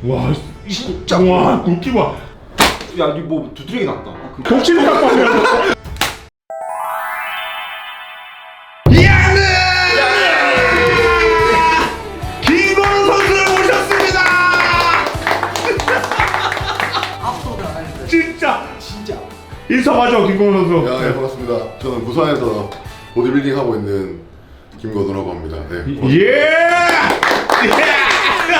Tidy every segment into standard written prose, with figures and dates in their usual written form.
와 진짜. 와 골키퍼. 야, 니 뭐 두드러기 났다. 독침 깎아. 김건우 선수를 모셨습니다. 압도당하는데. 진짜 진짜. 인사하죠 김건우 선수. 야, 네, 반갑습니다. 저는 부산에서 보디빌딩 하고 있는 김건우라고 합니다. 네. 예.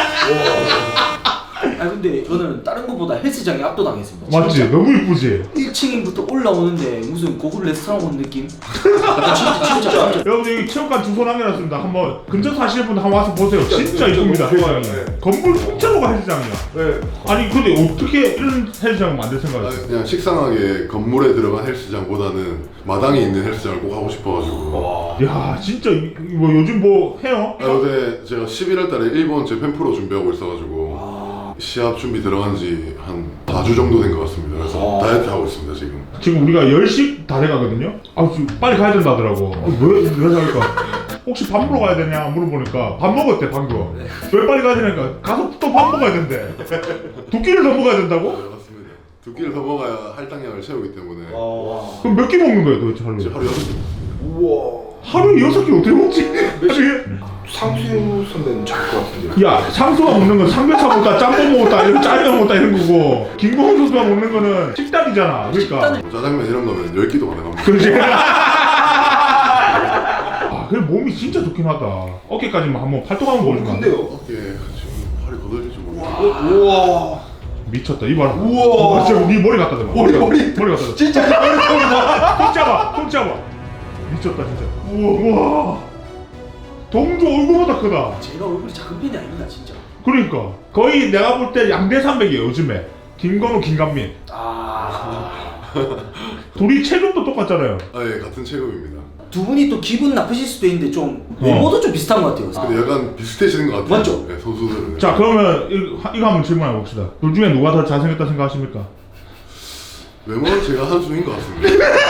아 근데 저는 다른 것보다 헬스장에 압도당했습니다. 맞지? 너무 이쁘지? 1층부터 올라오는데 무슨 고급 레스토랑 온 느낌? 진짜. 여러분 여기 체육관 주소 남겨놨습니다. 한번 근처 사시는 분 한번 와서 보세요. 진짜 진짜 이쁩니다. 너무 좋아요. 헬스장이. 네. 건물 통째로가 헬스장이야. 네. 아니 근데 어떻게 이런 헬스장을 만들 생각이었어요? 그냥 식상하게 건물에 들어간 헬스장보다는 마당에 있는 헬스장을 꼭 하고 싶어가지고. 야 진짜 뭐 요즘 뭐 해요? 요새 제가 11월달에 일본 재팬 프로 준비하고 있어가지고 시합 준비 들어간 지 한 4주 정도 된 것 같습니다. 그래서 다이어트 하고 있습니다 지금. 지금 우리가 10시 다 돼가거든요? 아 지금 빨리 가야 된다더라고. 왜 할까? 혹시 밥 먹으러 가야 되냐 물어보니까 밥 먹었대 방금. 왜 빨리 가야 되냐니까 가서 또 밥 먹어야 된대. 2끼를 더 먹어야 된다고? 네, 맞습니다. 2끼를 더 먹어야 할당량을 채우기 때문에 그럼 몇 끼 먹는 거예요 도대체 하루에? 이제 하루 6끼. 우와. 하루에 6끼 어떻게 먹지? 하루에? 상수 선배는 잘 것 같은데. 야 상수가 먹는 건 삼겹살 먹다 짬뽕 먹었다 이런 짜장 먹었다 이런 거고 김건우 선수가 먹는 거는 식단이잖아. 그러니까 뭐 짜장면 이런 거면 10끼도 가능합니다. 그렇지. 아 그래 몸이 진짜 좋긴 하다. 어깨까지만 한번 팔뚝 한번 보여주면 안 돼? 근데요. 어깨 지금 팔이 거들릴지 모르겠어요. 우와. 미쳤다 이 봐라. 우와. 진짜 네 머리 갖다 대봐. 머리 갖다 대. 진짜 머리통이다. 손 잡아. 미쳤다 진짜. 우와. 동조 얼굴보다 크다. 제가 얼굴이 작은 편이 아닙니다 진짜. 그러니까 거의 내가 볼 때 양대산맥이에요 요즘에. 김건우, 김간민. 둘이 체중도 똑같잖아요. 예, 같은 체급입니다. 두 분이 또 기분 나쁘실 수도 있는데 좀 외모도 좀 비슷한 것 같아요. 근데 약간 비슷해지는 것 같아요. 맞죠? 네, 선수들은. 자 그러면 이거 한번 질문해 봅시다. 둘 중에 누가 더 잘생겼다 생각하십니까? 외모는 제가 한 수인 것 같습니다.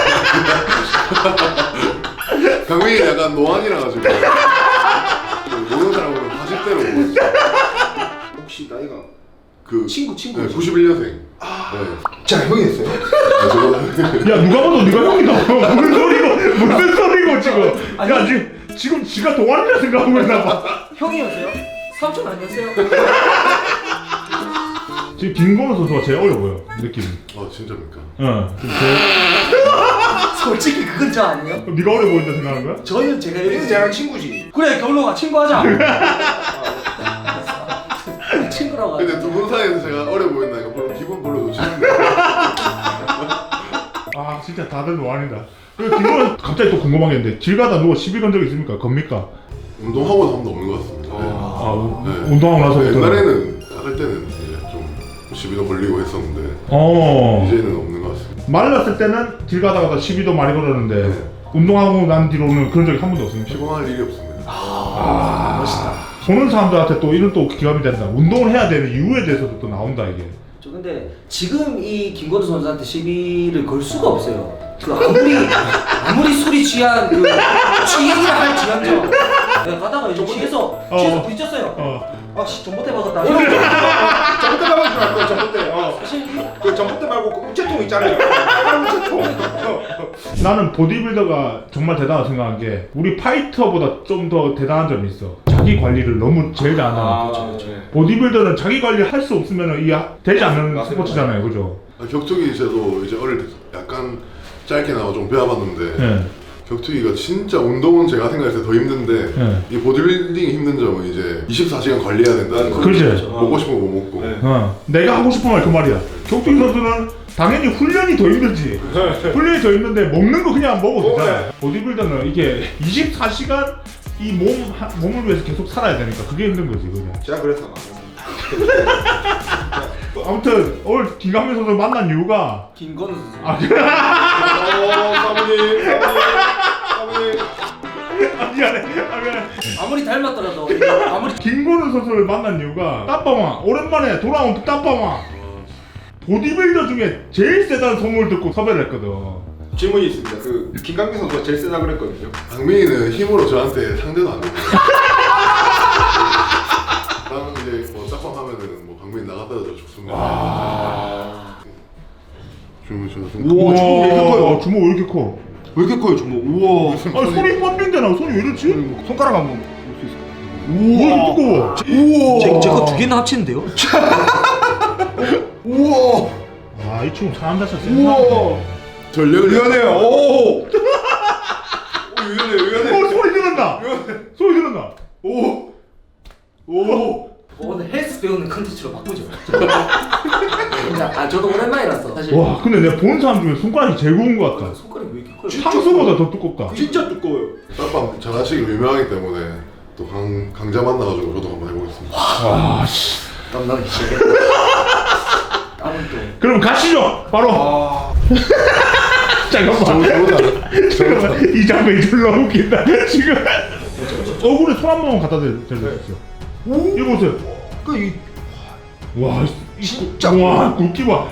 강민이 약간 노안이라 가지고 모르는 사람은 40대로 보여요. 혹시 나이가 그 친구. 네, 91년생. 네. 자 형이었어요? 야 누가 봐도 네가 형이다. 무슨 소리고 지금? 아니, 야 지금 지가 동안이라 생각하고 있나 봐. 형이었어요? 삼촌 아니었어요? 지금 김건우 선수가 제일 어려 보여 느낌이. 진짜입니까? 응. 솔직히 그건 저 아니에요? 네가 어려 보인다 생각하는 거야? 저는 제가 이거 제가 친구지. 그래 결론아 친구하자. 친구라고. 근데 두 분 사이에서 제가 어려 보인다니까 별로 기분 별로 좋지 않은데. 아 진짜 다들 노안이다. 김건우 갑자기 또 궁금한 게 있는데 길 가다 누가 시비 건 적 있습니까? 겁니까? 운동하고 나면 없는 것 같습니다. 네. 운동하고 나서부터. 옛날에는 작을 때는 이제 좀 시비도 걸리고 했었는데 이제는 없는 것 같습니다. 말랐을 때는 길 가다가 시비도 많이 걸었는데 운동하고 난 뒤로는 그런 적이 한 번도 없습니까? 피곤할 일이 없습니다. 멋있다. 보는 사람들한테 또 이런 또 기감이 된다. 운동을 해야 되는 이유에 대해서도 또 나온다 이게. 저 근데 지금 이 김건우 선수한테 시비를 걸 수가 없어요. 그 아무리 술이 취한 그 취행이라 할지언정 내가 가다가 이제 취해서 부딪혔어요. 아씨 전봇대 박았다. 전봇대 박은 줄 알고 전봇대. 사실 그 전봇대 말고 그 우체통 있잖아요. 빨간 우체통. 나는 보디빌더가 정말 대단하다 생각한 게 우리 파이터보다 좀 더 대단한 점이 있어. 자기 관리를 너무 제일 잘한다는 거. 보디빌더는 자기 관리 할 수 없으면 이게 되지 않는 맞습니다. 스포츠잖아요, 그죠? 격투기 저도 이제 어릴 때 약간 짧게 나와 좀 배워봤는데 네. 격투기가 진짜 운동은 제가 생각했을 때 더 힘든데 네. 이 보디빌딩이 힘든 점은 이제 24시간 관리해야 된다는 거. 그렇지. 먹고 싶은 거 못 먹고. 네. 내가 하고 싶은 말 그 말이야. 격투기 선수는 당연히 훈련이 더 힘들지. 훈련이 더 힘든데 먹는 거 그냥 먹어도 되잖아. 보디빌더는 이게 24시간 이 몸을 위해서 계속 살아야 되니까 그게 힘든 거지, 그냥. 제가 그래서 아무튼 오늘 김강민 선수 만난 이유가 김건우 선수. 사모님. 미안해. 아무리 닮았더라도 아무리 김건우 선수를 만난 이유가 따빠왕 오랜만에 돌아온 따빠왕 보디빌더 중에 제일 세다는 소문을 듣고 섭외를 했거든. 질문이 있습니다. 그 김강민 선수가 제일 세다 그랬거든요. 강민이는 힘으로 저한테 상대도 안 됩니다. 나는 이제 뭐 짝방 하면은 뭐 정민이 나갔다 저 죽습니다. 주문 저 우와, 주먹 왜 이렇게 커요? 주먹 왜 이렇게 커? 왜 이렇게 커요 주먹? 우와. 손이 뻗는데나 손이 왜 이렇지? 손가락 한번 볼 수 있을까요? 왜 이렇게 두꺼워? 우와. 제거 두 개는 합치는데요? 우와. 이 친구 사람 자체 우와. 전력을 유연해요. 오. 유연해. 소리 들었나? 소리 들었나? 오. 오늘 헬스 배우는 컨텐츠로 바꾸죠. 저도 오랜만이라서 사실. 와 근데 내가 본 사람 중에 손가락이 제일 굵은 것 같다. 손가락이 왜 이렇게 커요? 상수보다 더 두껍다. 진짜 두꺼워요. 딱밤 잘하시기 유명하기 때문에 또 강자 만나가지고 저도 한번 해보겠습니다. 땀 나기 시작했다. 땀은 또. 그럼 가시죠. 바로. 잠깐만. 이 장면이 졸라 웃긴다. 지금 얼굴에 손 한 번만 갖다 대주세요. 이거 보세요. 와, 진짜 와, 굵기 봐.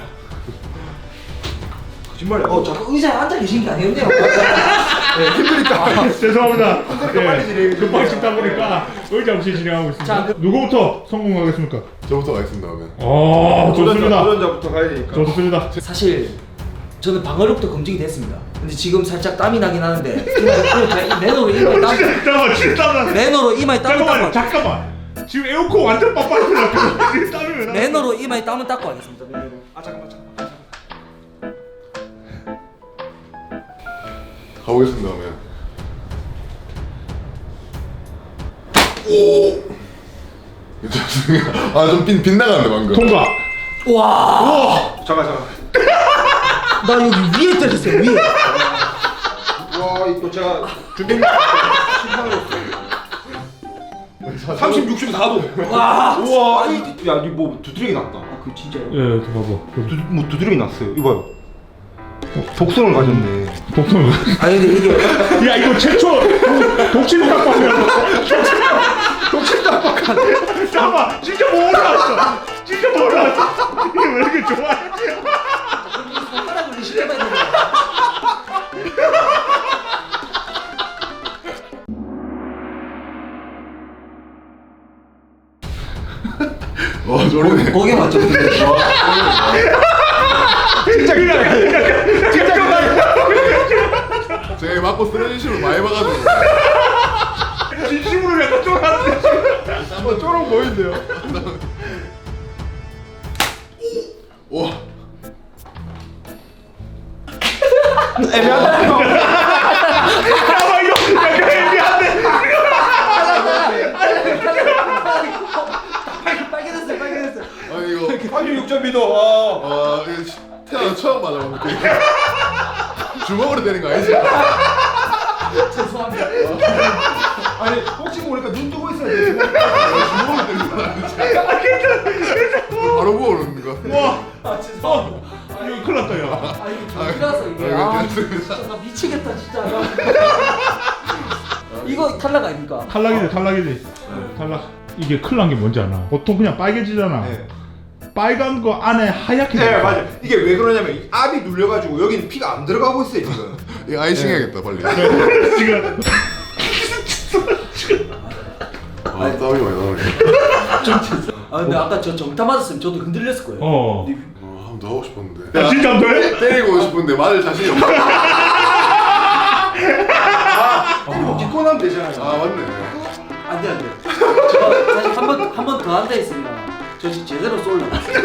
거짓말이야. 자꾸 의자에 앉아 계신 게 아니었네요. 힘드니까. 죄송합니다. 빨리 진행해 주세요. 급하게 찍다 보니까 의자 없이 진행하고 있습니다. 자, 누구부터 성공하겠습니까? 저부터 가겠습니다 그러면. 좋습니다. 도전자부터 가야 되니까. 좋습니다. 사실 저는 방어력도 검증이 됐습니다. 근데 지금 살짝 땀이 나긴 하는데 제가 이 매너로 이마에 땀 잠깐만, 진짜 땀나. 매너로 이마에 땀을 닦고 잠깐만. 지금 에어컨 완전 빡빡해서 지금 땀이 왜 나? 매너로 이마에 땀을 닦고 하겠습니다. 잠깐만. 가보겠습니다 그러면. 아좀 빗나가는데 방금. 통과. 와, 잠깐. 나 여기 위에 때렸어요. 위에. 와 이거 제가 준비 심판으로 30, 60, 4도. 와, 우와. 야, 이뭐 두드러기 났다. 그 진짜요? 예, 봐봐. 뭐 두드러기 났어요. 이봐요. 독성을 가졌네. 복선. 아니 근데 이게 야 이거 최초 독침 닭발이야. 독침 닭발. 잠깐만, 진짜 뭐 올라왔어. 진짜 뭐 올라왔어. 이게 왜 이렇게 좋아해? 손가락을 리시해봐야 되는 거야. 저리네. 거기 맞죠? 진짜 제가 맞고 쓰러지시면 많이 봐가지고. 진심으로 약간 쫄았는데. 한번 쪼록 보이는데요. 와. 애매하다. 잠깐만 이거 약간 애매한데. 빨개졌어요, 빨개졌어요. 아니 이거 36.2도. 이거 태어나 처음 맞아봤는데 주먹으로 되는 거 아니지? 죄송합니다. 아니 혹시 모르니까 눈 뜨고 있어야 돼. 주먹으로 되는 거 아니지? 바로 부어오르는 거. 와, 아 죄송합니다. 이거 큰일 났다 야. 아 이게 정이라서 이게 아 진짜 나 미치겠다 진짜. 이거 탈락 아닙니까? 탈락이지. 탈락. 이게 큰일 난 게 뭔지 아나? 보통 그냥 빨개지잖아. 네. 빨간 거 안에 하얗게 네 돼. 맞아. 이게 왜 그러냐면 이 압이 눌려가지고 여기는 피가 안 들어가고 있어요 지금. 이거 아이싱 해야겠다 빨리. 지금 땀이 많이 나네. 아 근데 아까 저 정타 맞았으면 저도 흔들렸을 거예요. 어. 한 번 더 하고 싶었는데. 야 진짜 안 돼? 때리고 싶은데 맞을 자신이 없어. 뭐 딛고 나면 되잖아요. 맞네. 안돼 안돼. 저 사실 한 번 더 앉아 있으면 저 지금 제대로 쏠라.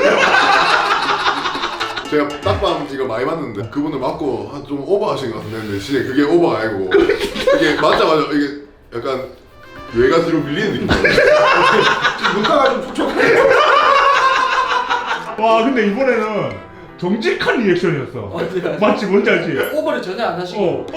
제가 딱밤 이거 많이 봤는데 그분을 맞고 좀 오버하신 것 같은데 근데 진짜 그게 오버가 아니고 이게 맞자마자 이게 약간 뇌가 뒤로 밀리는 느낌. 눈가가 좀 촉촉해. 와 근데 이번에는 정직한 리액션이었어. 맞아요. 맞지 뭔지 알지? 오버를 전혀 안 하시고.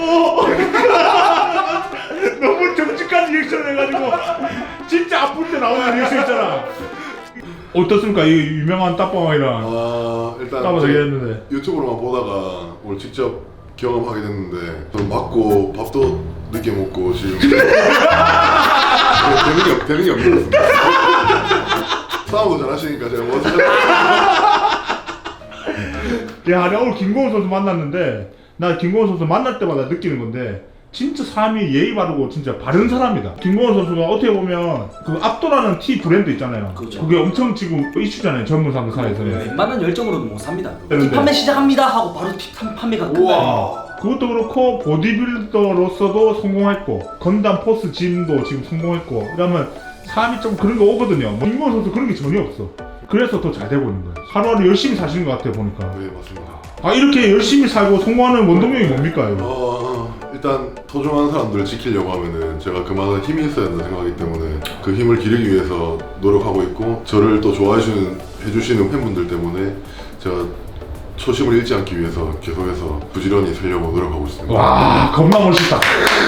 너무 정직한 리액션 해가지고 진짜 아플 때 나오는 리액션 있잖아. 어떻습니까 이 유명한 딱밤왕이랑 일단 따로 얘기했는데 유튜브로만 보다가 오늘 직접 경험하게 됐는데 전 맞고 밥도 늦게 먹고 지금 되는 게 없는 것 같습니다. 싸움도 잘하시니까 제가 뭐 야, 내가 오늘 김고은 선수 만났는데 나 김고은 선수 만날 때마다 느끼는 건데 진짜 삶이 예의 바르고 진짜 바른 사람이다. 김건호 선수가 어떻게 보면 그 압도라는 티 브랜드 있잖아요. 그렇죠. 그게 엄청 지금 이슈잖아요. 젊은 사람들 사이에서는. 웬만한 열정으로는 못 삽니다. 그런데- 티 판매 시작합니다 하고 바로 티 판매가 끝나요. 우와. 그것도 그렇고 보디빌더로서도 성공했고 건담 포스 짐도 지금 성공했고 그러면 삶이 좀 그런 거 오거든요. 김건호 선수 그런 게 전혀 없어. 그래서 더 잘 되고 있는 거예요. 하루하루 열심히 사시는 것 같아요 보니까. 네 맞습니다. 아 이렇게 열심히 살고 성공하는 원동력이 뭡니까 이거? 일단 소중한 사람들을 지키려고 하면은 제가 그만한 힘이 있어야 된다 생각하기 때문에 그 힘을 기르기 위해서 노력하고 있고 저를 또 해주시는 팬분들 때문에 제가 초심을 잃지 않기 위해서 계속해서 부지런히 살려고 노력하고 있습니다. 와 겁나 멋있다.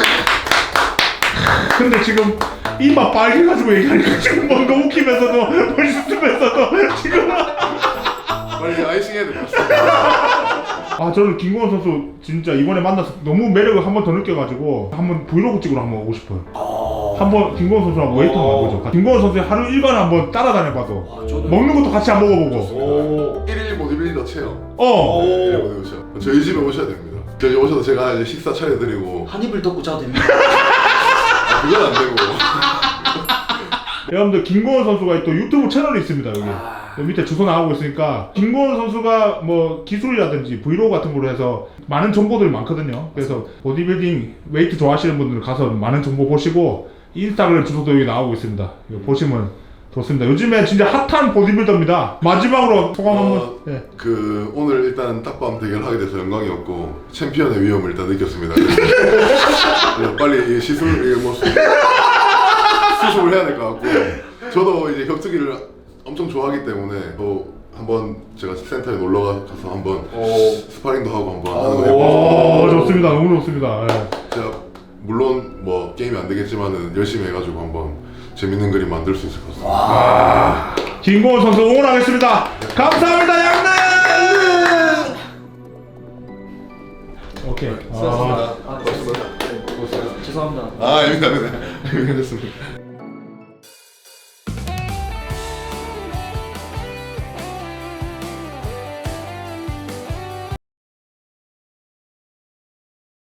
근데 지금 이마 빨개가지고 얘기하니까 지금 뭔가 웃기면서도 멋있으면서도 지금 빨리 아이싱 해야 될 것 같습니다. 아 저는 김건호 선수 진짜 이번에 만나서 너무 매력을 한 번 더 느껴가지고 한번 브이로그 찍으러 한번 오고 싶어요. 한번 김건호 선수랑 웨이트 한번 해보죠. 김건호 선수의 하루 일과를 한번 따라다녀봐도 저는 먹는 것도 같이 한번 먹어보고. 오. 1일 보디빌더 체험. 어. 1일 보디빌더 체험. 저희 집에 오셔야 됩니다. 저희 집에 오셔서 제가 이제 식사 차려드리고 한 입을 덮고 자도 됩니다. 그건 안 되고 여러분들 김건호 선수가 또 유튜브 채널이 있습니다 여기. 여기 밑에 주소 나오고 있으니까 김건호 선수가 뭐 기술이라든지 브이로그 같은 걸로 해서 많은 정보들이 많거든요. 그래서 보디빌딩 웨이트 좋아하시는 분들은 가서 많은 정보 보시고 인스타그램 주소도 여기 나오고 있습니다. 이거 보시면 좋습니다. 요즘에 진짜 핫한 보디빌더입니다. 마지막으로 소감 한번. 네. 그 오늘 일단 딱밤 대결하게 돼서 영광이었고 챔피언의 위험을 일단 느꼈습니다. 그래서 빨리 이 시술 뭐 수습을 해야 될 것 같고 저도 이제 격투기를 엄청 좋아하기 때문에 또 한번 제가 센터에 놀러 가서 한번 스파링도 하고 한번 하는 거 해보고 오 좋습니다. 너무 좋습니다. 네. 제가 물론 뭐 게임이 안 되겠지만은 열심히 해가지고 한번 재밌는 그림 만들 수 있을 것 같습니다. 김건호 선수 응원하겠습니다. 감사합니다 양릉. 오케이. 죄송합니다. 아닙니다. 됐습니다.